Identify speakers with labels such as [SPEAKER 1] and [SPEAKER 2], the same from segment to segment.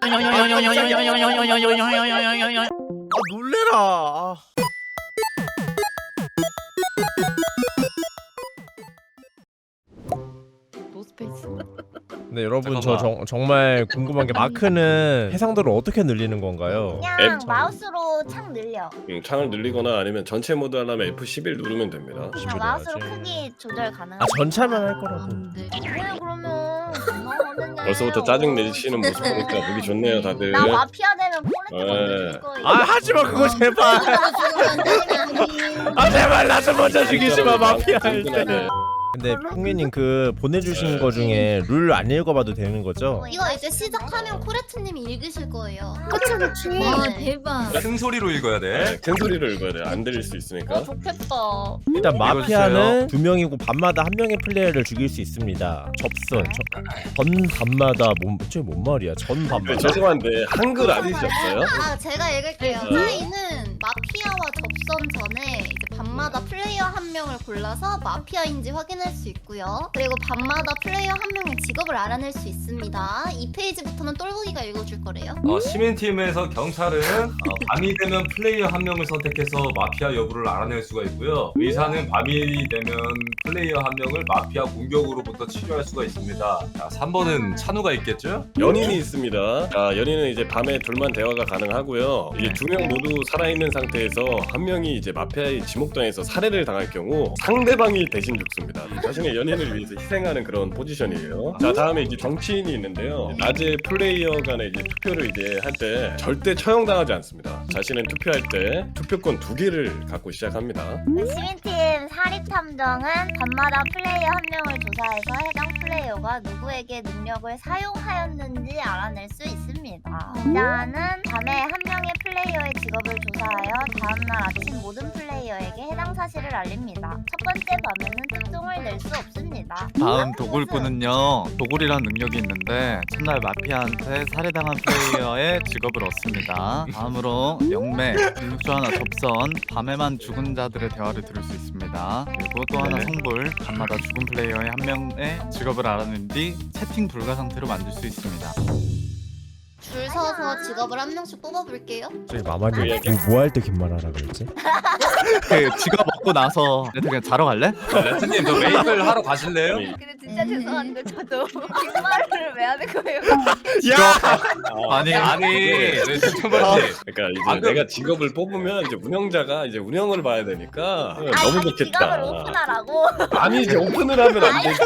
[SPEAKER 1] 놀래라.
[SPEAKER 2] 노스페이스.
[SPEAKER 1] 네 여러분
[SPEAKER 3] 잠깐만.
[SPEAKER 1] 저 정말 궁금한 게 마크는 해상도를 어떻게 늘리는 건가요?
[SPEAKER 4] 그냥
[SPEAKER 3] 앱
[SPEAKER 4] 마우스로 창 늘려.
[SPEAKER 3] 창을 늘리거나 아니면 전체 모드 하려면 F11 누르면 됩니다.
[SPEAKER 4] 그냥 마우스로 크기 조절 가능.
[SPEAKER 1] 아 전차만 할 거라고.
[SPEAKER 2] 안돼.
[SPEAKER 4] 왜 그러면 전화하면은
[SPEAKER 3] 벌써부터 짜증 내시는 모습 보니까 보기 좋네요 다들.
[SPEAKER 4] 나 마피아 되면 폴레트
[SPEAKER 3] 네.
[SPEAKER 4] 건드릴 거야.
[SPEAKER 1] 아 하지마 그거 제발. 아 제발 나 좀 먼저 죽이지 마 마피아 할 때. 근데 풍미님 그 보내주신 거 중에 룰 안 읽어봐도 되는 거죠?
[SPEAKER 5] 이거 이제 시작하면 코레트님이 읽으실 거예요.
[SPEAKER 4] 그치 그치.
[SPEAKER 2] 와 대박.
[SPEAKER 6] 큰 소리로 읽어야 돼.
[SPEAKER 3] 네, 큰 소리를 읽어야 돼. 안 들릴 수 있으니까.
[SPEAKER 4] 좋겠다.
[SPEAKER 1] 일단
[SPEAKER 6] 읽어주세요.
[SPEAKER 1] 마피아는 2명이고 밤마다 1명의 플레이어를 죽일 수 있습니다. 접선 전 밤마다 뭔 말이야? 전
[SPEAKER 3] 네,
[SPEAKER 1] 밤마다.
[SPEAKER 3] 죄송한데 한글 아니셨어요?
[SPEAKER 5] 아 제가 읽을게요. 저희는 마피아와 접선 전에 이제 밤마다 플레이어 한 명을 골라서 마피아인지 확인할 수 있고요. 그리고 밤마다 플레이어 한 명의 직업을 알아낼 수 있습니다. 이 페이지부터는 똘보기가 읽어줄 거래요.
[SPEAKER 6] 시민팀에서 경찰은 밤이 되면 플레이어 한 명을 선택해서 마피아 여부를 알아낼 수가 있고요. 의사는 밤이 되면 플레이어 한 명을 마피아 공격으로부터 치료할 수가 있습니다. 자, 3번은 찬우가 있겠죠?
[SPEAKER 3] 연인이 있습니다. 자, 연인은 이제 밤에 둘만 대화가 가능하고요. 이제 2명 모두 살아있는 상태에서 한 명이 이제 마피아의 지목당해서 살해를 당할 경우 상대방이 대신 죽습니다. 자신의 연인을 위해서 희생하는 그런 포지션이에요. 자, 다음에 이제 정치인이 있는데요. 낮에 플레이어 간에 이제 투표를 이제 할 때 절대 처형당하지 않습니다. 자신은 투표할 때 투표권 2개를 갖고 시작합니다.
[SPEAKER 4] 시민팀 사립탐정은 밤마다 플레이어 한 명을 조사해서 해당 플레이어가 누구에게 능력을 사용하였는지 알아낼 수 있습니다. 기자는 밤에 한 명의 플레이어의 직업을 조사하여 다음날 아침 모든 플레이어에게 해당 사실을 알립니다. 첫 번째 밤에는 특종을 낼 수 없습니다.
[SPEAKER 7] 다음 도굴꾼은요, 도굴이란 능력이 있는데 첫날 마피아한테 살해당한 플레이어의 직업을 얻습니다. 다음으로 영매, 육조하나 접선, 밤에만 죽은 자들의 대화를 들을 수 있습니다. 그리고 또 하나
[SPEAKER 3] 네.
[SPEAKER 7] 성불, 밤마다 죽은 플레이어의 한 명의 직업을 알아낸 뒤 채팅 불가 상태로 만들 수 있습니다.
[SPEAKER 5] 줄 서서 직업을 한 명씩 뽑아볼게요.
[SPEAKER 1] 저기 마마님 뭐 할 때 긴 말 하라 그랬지?
[SPEAKER 7] 그 직업 얻고 나서 그냥 자러 갈래?
[SPEAKER 6] 레트님 저 메이플 하러 가실래요?
[SPEAKER 4] 근데 진짜 죄송한데 저도 긴 말을 왜 하는 거예요?
[SPEAKER 7] 아니
[SPEAKER 6] 좀 말지.
[SPEAKER 3] 그러니까 이제
[SPEAKER 6] 방금-
[SPEAKER 3] 내가 직업을 뽑으면 이제 운영자가 이제 운영을 봐야 되니까 너무
[SPEAKER 4] 직업을
[SPEAKER 3] 좋겠다.
[SPEAKER 4] 오픈하라고.
[SPEAKER 3] 아니 이제 오픈을 하면 안 되지.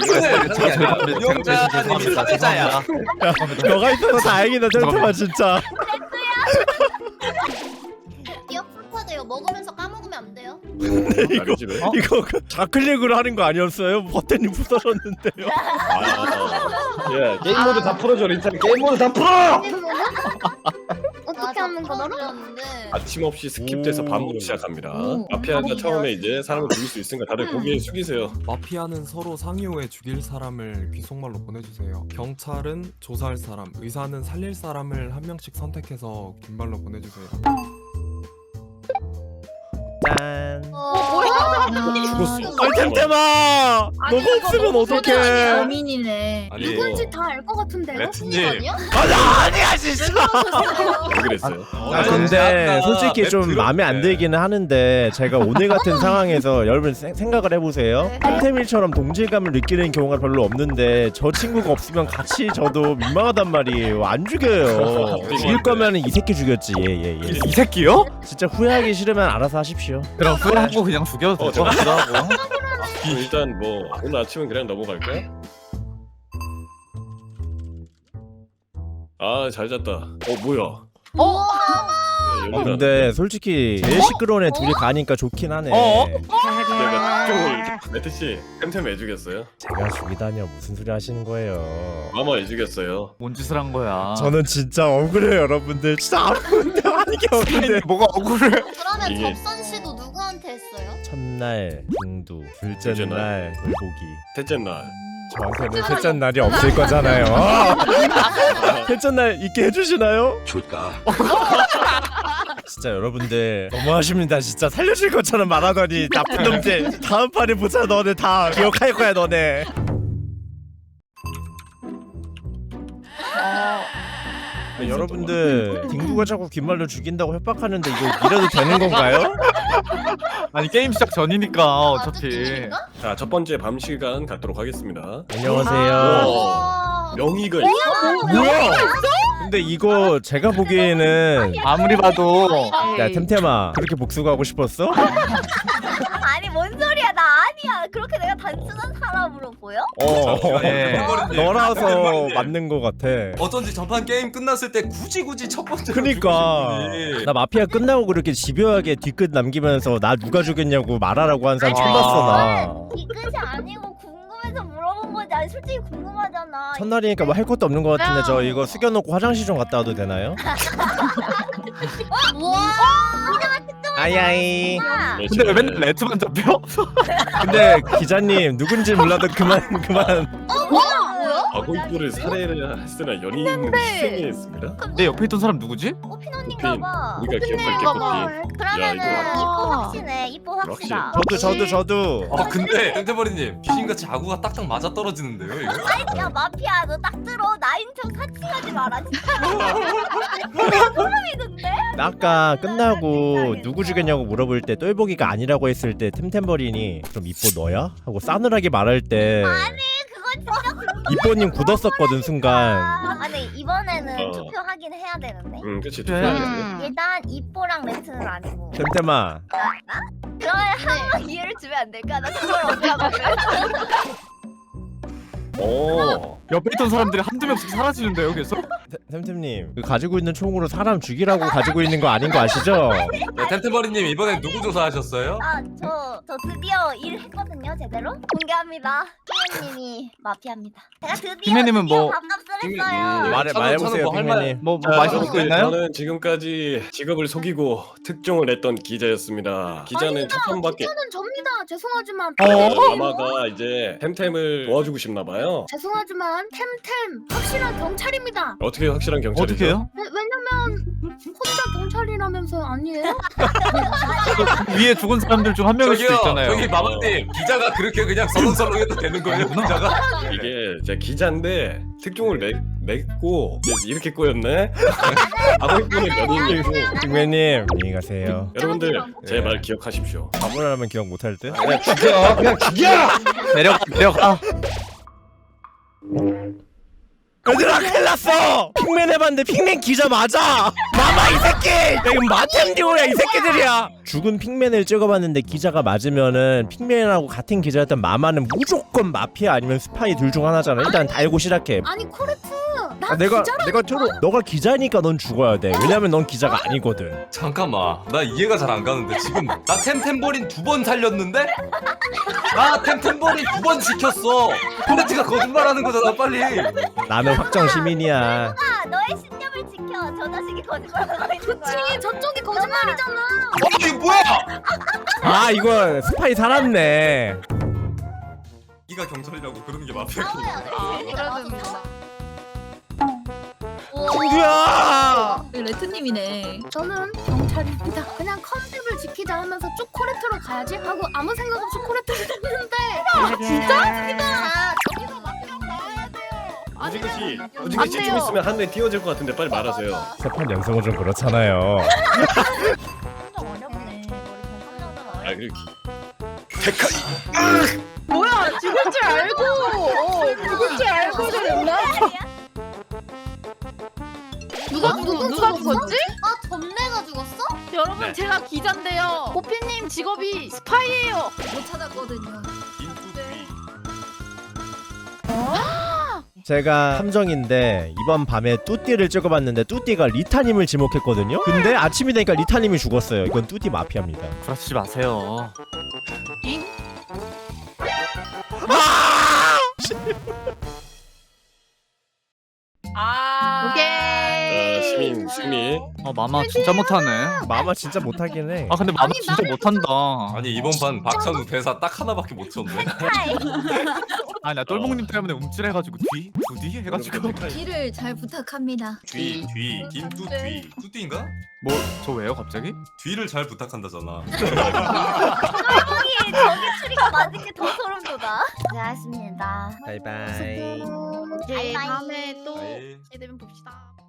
[SPEAKER 6] 운영자님 사회자야.
[SPEAKER 1] 너가 있어서 다행이다 정말 진짜.
[SPEAKER 5] 기억 풀파돼요. 먹으면서 까먹으면 안 돼요.
[SPEAKER 3] 아니, 집에.
[SPEAKER 1] 이거 좌클릭으로 하는 거 아니었어요? 버튼이 부서졌는데요.
[SPEAKER 3] 야 게임 모드 다 풀어줘 리탄. 게임 모드 다 풀어.
[SPEAKER 5] 어떻게 하는 거더라?
[SPEAKER 3] 아침 없이 스킵돼서 밤부터 시작합니다. 마피아가
[SPEAKER 5] 밤이야.
[SPEAKER 3] 처음에 이제 사람을 죽일 수 있으니까 다들 고개 숙이세요.
[SPEAKER 8] 마피아는 서로 상의 후에 죽일 사람을 귀속말로 보내주세요. 경찰은 조사할 사람, 의사는 살릴 사람을 한 명씩 선택해서 긴 말로 보내주세요.
[SPEAKER 1] 짠.
[SPEAKER 3] 죽었어.
[SPEAKER 1] 아이 템템아. 너가 없으면 어떡해?
[SPEAKER 2] 범인이네.
[SPEAKER 6] 아니
[SPEAKER 4] 누군지 다 알 것 같은데요?
[SPEAKER 6] 레트님.
[SPEAKER 5] 아니야?
[SPEAKER 1] 아니야 진짜.
[SPEAKER 3] 왜 그랬어요?
[SPEAKER 1] 아 근데 솔직히 좀 마음에 안 들기는 하는데 제가 오늘 같은 상황에서 여러분 생각을 해보세요. 템템일처럼 동질감을 느끼는 경우가 별로 없는데 저 친구가 없으면 같이 저도 민망하단 말이에요. 안 죽여요. 죽일 거면 이 새끼 죽였지. 예.
[SPEAKER 7] 이 새끼요?
[SPEAKER 1] 진짜 후회하기 싫으면 알아서 하십시오.
[SPEAKER 7] 그럼 후회하고 그냥 죽여도 될 것 같기도 하고.
[SPEAKER 3] 그럼 일단 뭐 오늘 아침은 그냥 넘어갈까요? 아 잘 잤다. 뭐야?
[SPEAKER 1] 근데 솔직히 제일 시끄러운 애 둘이 가니까 좋긴 하네.
[SPEAKER 3] 내가 매트 씨 템템 왜 죽였어요?
[SPEAKER 1] 제가 죽이다니요. 무슨 소리 하시는 거예요?
[SPEAKER 3] 마마 왜 죽였어요?
[SPEAKER 7] 뭔 짓을 한 거야?
[SPEAKER 1] 저는 진짜 억울해요 여러분들. 진짜 아픈데 하는 게 없는데.
[SPEAKER 7] 뭐가 억울해?
[SPEAKER 5] 그러면
[SPEAKER 3] 이게-
[SPEAKER 5] 접선 씨도 누구한테 했어요?
[SPEAKER 1] 첫날 중두, 둘째
[SPEAKER 3] 둘째
[SPEAKER 1] 날 돌보기.
[SPEAKER 3] 셋째 날.
[SPEAKER 1] 저한테는 셋째 날이 없을 거잖아요. 셋째 날 있게 해주시나요?
[SPEAKER 6] 줄까?
[SPEAKER 1] 진짜 여러분들 너무하십니다. 진짜 살려줄 것처럼 말하더니 나쁜 놈들. 다음 판에 보자. 너네 다 기억할 거야 너네. 네, 여러분들 딩구가 자꾸 귓말로 죽인다고 협박하는데 이거 이래도 되는 건가요?
[SPEAKER 7] 아니 게임 시작 전이니까 어차피.
[SPEAKER 5] 중인가?
[SPEAKER 3] 자, 첫 번째 밤 시간 갖도록 하겠습니다.
[SPEAKER 1] 안녕하세요.
[SPEAKER 5] 와.
[SPEAKER 3] 명의가 있어.
[SPEAKER 1] 뭐야? 근데 이거 제가 보기에는
[SPEAKER 7] 아무리 봐도
[SPEAKER 1] 야 템템아 그렇게 복수하고 싶었어?
[SPEAKER 4] 아니 뭔 소리야 나 아니야. 그렇게 내가 단순한 사람으로 보여?
[SPEAKER 7] 예.
[SPEAKER 1] 너라서 맞는 거 같아.
[SPEAKER 6] 어쩐지 전판 게임 끝났을 때 굳이 첫 번째.
[SPEAKER 1] 그니까 나 마피아 끝나고 그렇게 집요하게 뒤끝 남기면서 나 누가 죽였냐고 말하라고 한 사람 처음 봤어 나.
[SPEAKER 4] 이 끝이 아니고 궁금해서 물어본 거지. 아니 솔직히 궁금하잖아.
[SPEAKER 1] 첫날이니까 뭐 할 것도 없는 것 같은데 저 이거 숙여놓고 화장실 좀 갔다 와도 되나요?
[SPEAKER 5] 우와.
[SPEAKER 1] 아야이.
[SPEAKER 3] 네,
[SPEAKER 7] 근데 왜
[SPEAKER 3] 지금
[SPEAKER 7] 맨날 레트만 잡혀?
[SPEAKER 1] 근데 기자님 누군지 몰라도 그만.
[SPEAKER 5] 뭐야?
[SPEAKER 3] 아고이뽀를 살해를 했으나 연인 희생했습니다.
[SPEAKER 7] 내 옆에 있던 사람 누구지?
[SPEAKER 4] 꽃핀 언니인가봐.
[SPEAKER 3] 우리가 기억할게 꽃핀.
[SPEAKER 4] 그러면은
[SPEAKER 3] 야,
[SPEAKER 4] 이뻐 확신해. 이뻐 확실하.
[SPEAKER 1] 저도.
[SPEAKER 6] 근데 템템버리님 귀신같이 아구가 딱딱 맞아 떨어지는데요 이거?
[SPEAKER 4] 야 마피아 너 딱 들어. 나인 척 사칭하지 마라 진짜. 내가 소름이던데?
[SPEAKER 1] 나 아까 끝나고 누구 죽였냐고 물어볼 때 똘보기가 아니라고 했을 때 템템버린이 그럼 이뻐 너야? 하고 싸늘하게 말할 때
[SPEAKER 4] 그거 진짜
[SPEAKER 1] 이뻐님 굳었었거든 순간.
[SPEAKER 4] 아니 이번에는
[SPEAKER 3] 어.
[SPEAKER 4] 투표하긴 해야 되는데.
[SPEAKER 3] 그치.
[SPEAKER 7] 그래.
[SPEAKER 3] 투표해야겠네.
[SPEAKER 4] 일단 이뻐랑 레트는 아니고.
[SPEAKER 1] 템템아
[SPEAKER 4] 그러면 한번 기회를 주면 안 될까? 나 그걸 어떻게 하거든.
[SPEAKER 3] 오.
[SPEAKER 7] 옆에 있던 사람들이 한두 명씩 사라지는데요 계속?
[SPEAKER 1] 템템님 그 가지고 있는 총으로 사람 죽이라고 가지고 있는 거 아닌 거 아시죠?
[SPEAKER 6] 네, 템템버리님 이번엔 누구 조사하셨어요?
[SPEAKER 4] 저 드디어 일했거든요 제대로. 공개합니다. 피메님이 마피아입니다. 제가 드디어
[SPEAKER 7] 피메님은 뭐-
[SPEAKER 4] 밥값을 했어요.
[SPEAKER 1] 말해보세요
[SPEAKER 6] 저는 할 말-
[SPEAKER 1] 빅맨님.
[SPEAKER 7] 뭐
[SPEAKER 3] 자,
[SPEAKER 7] 마시고
[SPEAKER 3] 네,
[SPEAKER 7] 있나요?
[SPEAKER 3] 저는 지금까지 직업을 속이고 특종을 했던 기자였습니다. 기자는 첫 번밖에.
[SPEAKER 9] 저는 접니다. 죄송하지만
[SPEAKER 3] 마마가 이제 템템을 도와주고 싶나 봐요.
[SPEAKER 9] 죄송하지만 템템 확실한 경찰입니다.
[SPEAKER 3] 어떻게 확실한 경찰이죠?
[SPEAKER 7] 어떻게 해요?
[SPEAKER 9] 왜냐면 혼자 경찰이라면서 아니에요?
[SPEAKER 7] 위에 죽은 사람들 중 한 명일 수도 있잖아요.
[SPEAKER 6] 저기 마마님 기자가 그렇게 그냥 서렁서렁해도 되는 거예요 기자가?
[SPEAKER 3] 이게 제 기자인데 특종을 냈고 이렇게 꼬였네. 아버지분은 연인이고.
[SPEAKER 1] 빅맨님 안녕히 가세요.
[SPEAKER 3] 여러분들 제 말 기억하십시오.
[SPEAKER 1] 바보라면 기억 못할 듯?
[SPEAKER 3] 그냥 죽여, 그냥 죽여.
[SPEAKER 7] 내려가.
[SPEAKER 1] 얘들아 큰일 났어! 핑맨 해봤는데 핑맨 기자 맞아! 마마 이 새끼! 야 이거 마템듀오야 이 새끼들이야! 죽은 핑맨을 찍어봤는데 기자가 맞으면은 핑맨하고 같은 기자였던 마마는 무조건 마피아 아니면 스파이 둘 중 하나잖아. 일단 달고 시작해.
[SPEAKER 9] 아니 코레트 나
[SPEAKER 1] 내가
[SPEAKER 9] 기자라니까.
[SPEAKER 1] 너가 기자니까 넌 죽어야 돼. 왜냐면 넌 기자가 아니거든.
[SPEAKER 6] 잠깐만 나 이해가 잘 안 가는데 지금 나 템템버린 2번 살렸는데? 나 템템버린 2번 지켰어. 코레트가 거짓말하는 거잖아 빨리.
[SPEAKER 1] 나는 확정 시민이야.
[SPEAKER 4] 너의 신념을 지켜. 저 자식이 거짓말하고 있는 거야.
[SPEAKER 9] 그치 저쪽이 거짓말이잖아.
[SPEAKER 6] 이게 뭐야?
[SPEAKER 1] 아 이거 스파이 살았네.
[SPEAKER 6] 네가 경찰이라고 그러는 게 마피아.
[SPEAKER 5] 그래야 됩니다.
[SPEAKER 1] 친구야!
[SPEAKER 2] 레트님이네.
[SPEAKER 9] 저는 경찰입니다. 그냥 컨셉을 지키자 하면서 쭉 코레트로 가야지 하고 아무 생각 없이 코레트를 했는데
[SPEAKER 5] 아, 저기서 마피아 나와야 돼요.
[SPEAKER 3] 우지그지 좀 있으면 하늘에 띄워질 것 같은데 빨리 말하세요.
[SPEAKER 1] 세판 연성은 좀 그렇잖아요.
[SPEAKER 4] 어렵네.
[SPEAKER 3] 아 그리고 데카이.
[SPEAKER 2] 뭐야 죽을 줄 알고 죽을 줄 알고 그랬나? 누가 죽었지?
[SPEAKER 5] 아, 점내가 죽었어?
[SPEAKER 2] 여러분
[SPEAKER 3] 네.
[SPEAKER 2] 제가 기자인데요. 보피님 직업이 스파이예요. 못 찾았거든요.
[SPEAKER 1] 제가 함정인데 이번 밤에 뚜띠를 찍어봤는데 뚜띠가 리타님을 지목했거든요. 근데 아침이 되니까 리타님이 죽었어요. 이건 뚜띠 마피아입니다.
[SPEAKER 7] 그러지 마세요.
[SPEAKER 2] 오케이.
[SPEAKER 3] 시민 승리.
[SPEAKER 7] 마마 진짜 못하네.
[SPEAKER 1] 마마 진짜 못하긴 해.
[SPEAKER 7] 아 근데 마마 진짜 못한다.
[SPEAKER 6] 아니 이번 판 박찬우 대사 딱 하나밖에 못 쳤네.
[SPEAKER 7] 아니 나 똘봉님 때문에 움찔해가지고 두뒤 해가지고.
[SPEAKER 2] 길을 잘 부탁합니다.
[SPEAKER 6] 뒤 김뚜뒤 뚜띠인가?
[SPEAKER 7] 뭐 저 왜요 갑자기?
[SPEAKER 6] 뒤를 잘 부탁한다잖아.
[SPEAKER 4] 저기 추리가 맞은 게 더 소름 돋아. 고생하셨습니다.
[SPEAKER 1] 바이바이.
[SPEAKER 2] 이제
[SPEAKER 4] 바이바이.
[SPEAKER 2] 다음에 또
[SPEAKER 6] 아이.
[SPEAKER 2] 기회 되면 봅시다.